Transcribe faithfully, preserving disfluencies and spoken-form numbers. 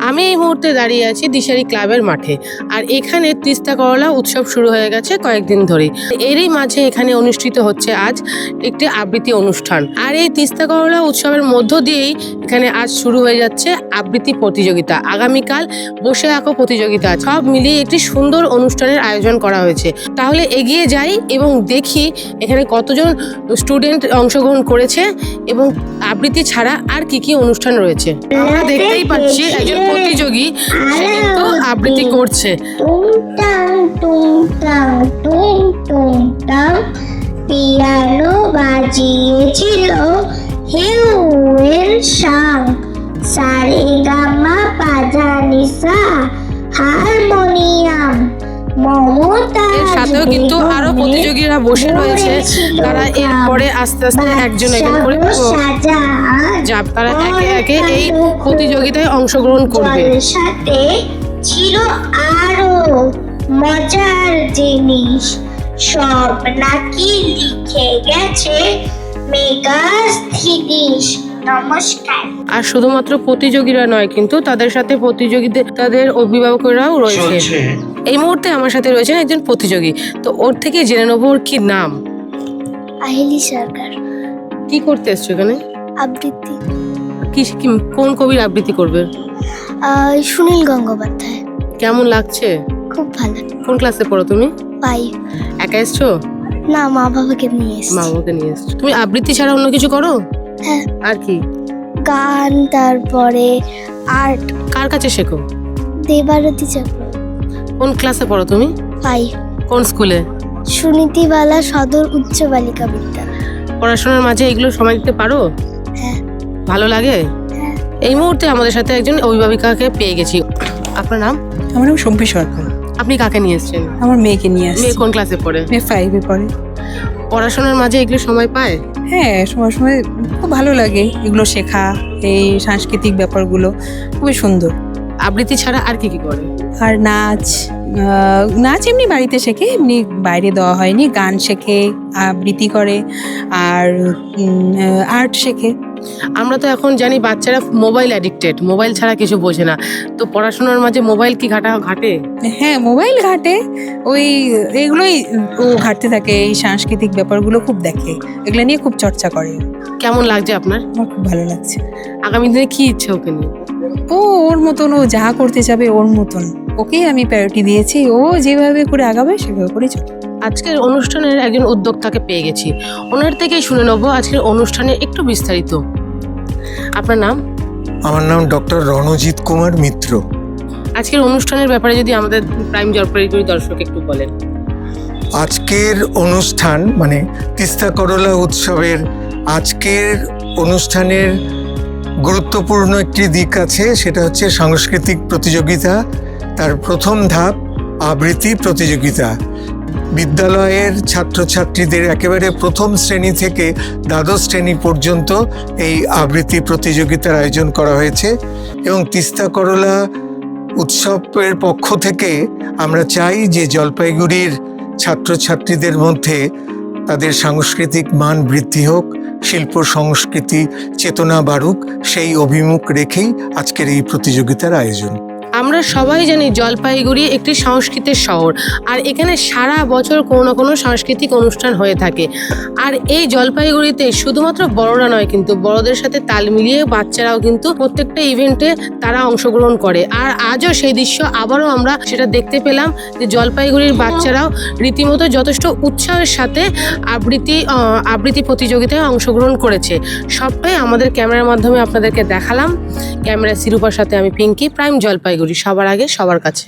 আমি এই মুহূর্তে দাঁড়িয়ে আছি দিশারি ক্লাবের মাঠে। আর এখানে তিস্তা করলা উৎসব শুরু হয়ে গেছে কয়েকদিন ধরে। এরই মাঝে এখানে অনুষ্ঠিত হচ্ছে আজ একটি আবৃত্তি অনুষ্ঠান। আর এই তিস্তা করলা উৎসবের মধ্য দিয়েই এখানে আজ শুরু হয়ে যাচ্ছে আবৃত্তি প্রতিযোগিতা। আগামীকাল বসে আঁকো প্রতিযোগিতা, সব মিলিয়ে একটি সুন্দর অনুষ্ঠানের আয়োজন করা হয়েছে। তাহলে এগিয়ে যাই এবং দেখি এখানে কতজন স্টুডেন্ট অংশগ্রহণ করেছে এবং আবৃত্তি ছাড়া আর কি কি অনুষ্ঠান রয়েছে। আমরা দেখতেই পাচ্ছি একজন প্রতিযোগী সে কিন্তু আবৃত্তি করছে। পিয়ানো বাজিয়েছিল হেউয়ের সাং, সারেগামা পাজানিসা হারমোনিয়াম। এর সাথেও কিন্তু আরো প্রতিযোগীরা বসে রয়েছে, তারা এরপরে আস্তে আস্তে একজন একজন করে যাব, তারা একে একে এই প্রতিযোগিতায় অংশগ্রহণ করবে। সাথে ছিল আরো মজার জিনিস, সব নাকি লিখে গেছে মেগাস্থিতিশ। নমস্কার। আর শুধুমাত্র প্রতিযোগীরা নয়, কিন্তু তাদের সাথে প্রতিযোগীদের তাদের অভিভাবকরাও রয়েছে। এই মুহূর্তে আমার সাথে রয়েছেন একজন প্রতিযোগী, তো ওর থেকে জেনে নেবো ওর কি নাম। আহিলি সরকার। কি করতে এসছো এখানে? আবৃত্তি। কি কি- কোন কবির আবৃত্তি করবে? আহ, সুনীল গঙ্গোপাধ্যায়। কেমন লাগছে? খুব ভালো। কোন ক্লাসে পড়ো তুমি? পাই একা এসছো? না, মা বাবাকে নিয়ে এসেছি। মা বাবাকে নিয়ে এসছো। তুমি আবৃত্তি ছাড়া অন্য কিছু করো? হ্যাঁ, আর কি? গান, তারপরে আর্ট। কার কাছে শেখো? দেবারতী চক্র। কোন ক্লাসে পড়ো তুমি? পাই কোন স্কুলে? সুনীতিবালা সদর উচ্চ বালিকা বিদ্যালয়। পড়াশোনার মাঝে এগুলো সময় দিতে পারো? হ্যাঁ। ভালো লাগে? হ্যাঁ। এই মুহূর্তে আমাদের সাথে একজন অভিভাবিকাকে পেয়ে গেছি। আপনার নাম? আমার নাম শম্পী সরকার। আপনি কাকে নিয়ে এসেছেন? আমার মেয়েকে নিয়ে আসছি। মেয়ে কোন ক্লাসে পড়ে? মেয়ে ফাইভে পড়ে। পড়াশোনার মাঝে এগুলো সময় পায়? হ্যাঁ, সময় সময় খুব ভালো লাগে এগুলো শেখা, এই সাংস্কৃতিক ব্যাপারগুলো খুবই সুন্দর। আবৃত্তি ছাড়া আর কি কি করে? আর নাচ, আহ, নাচ এমনি বাড়িতে শেখে, এমনি বাইরে দেওয়া হয়নি। গান শেখে, আবৃত্তি করে, আর আর্ট শেখে। আমরা তো এখন জানি বাচ্চারা মোবাইল অ্যাডিক্টেড, মোবাইল ছাড়া কিছু বোঝে না। তো পড়াশোনার মাঝে মোবাইল কি ঘাটা ঘাটে? হ্যাঁ, মোবাইল ঘাটে, ওই এগুলোই ও ঘাটতে থাকে। এই সাংস্কৃতিক ব্যাপারগুলো খুব দেখে, এগুলো নিয়ে খুব চর্চা করে। কেমন লাগছে আপনার? আমার খুব ভালো লাগছে। আগামী দিনে কি ইচ্ছে ওকে নিয়ে? ও ওর মতন, ও যা করতে যাবে ওর মতন, ওকেই আমি প্রায়োরিটি দিয়েছি। ও যেভাবে করে আগাবে সেভাবে করে চলবে। আজকের অনুষ্ঠানের একজন উদ্যোক্তাকে পেয়ে গেছি, ওনার থেকেই শুনে নেবো আজকের অনুষ্ঠানে একটু বিস্তারিত। আপনার নাম? আমার নাম ডক্টর রণজিৎ কুমার মিত্র। আজকের অনুষ্ঠানের ব্যাপারে যদি আমাদের প্রাইম জলপাইগুড়ি দর্শক একটু বলেন। আজকের অনুষ্ঠান মানে তিস্তা করলা উৎসবের আজকের অনুষ্ঠানের গুরুত্বপূর্ণ একটি দিক আছে, সেটা হচ্ছে সাংস্কৃতিক প্রতিযোগিতা। তার প্রথম ধাপ আবৃত্তি প্রতিযোগিতা। বিদ্যালয়ের ছাত্রছাত্রীদের একেবারে প্রথম শ্রেণী থেকে দ্বাদশ শ্রেণী পর্যন্ত এই আবৃত্তি প্রতিযোগিতার আয়োজন করা হয়েছে। এবং তিস্তা করলা উৎসবের পক্ষ থেকে আমরা চাই যে জলপাইগুড়ির ছাত্রছাত্রীদের মধ্যে তাদের সাংস্কৃতিক মান বৃদ্ধি হোক, শিল্প সংস্কৃতি চেতনা বাড়ুক, সেই অভিমুখ রেখেই আজকের এই প্রতিযোগিতার আয়োজন। আমরা সবাই জানি জলপাইগুড়ি একটি সংস্কৃতির শহর, আর এখানে সারা বছর কোনো না কোনো সাংস্কৃতিক অনুষ্ঠান হয়ে থাকে। আর এই জলপাইগুড়িতে শুধুমাত্র বড়রা নয়, কিন্তু বড়দের সাথে তাল মিলিয়ে বাচ্চারাও কিন্তু প্রত্যেকটা ইভেন্টে তারা অংশগ্রহণ করে। আর আজও সেই দৃশ্য আবারও আমরা সেটা দেখতে পেলাম যে জলপাইগুড়ির বাচ্চারাও রীতিমতো যথেষ্ট উৎসাহের সাথে আবৃত্তি আবৃত্তি প্রতিযোগিতায় অংশগ্রহণ করেছে। সবটাই আমাদের ক্যামেরার মাধ্যমে আপনাদেরকে দেখালাম। ক্যামেরা শিরূপার সাথে আমি পিঙ্কি, প্রাইম জলপাইগুড়ি, সবার আগে সবার কাছে।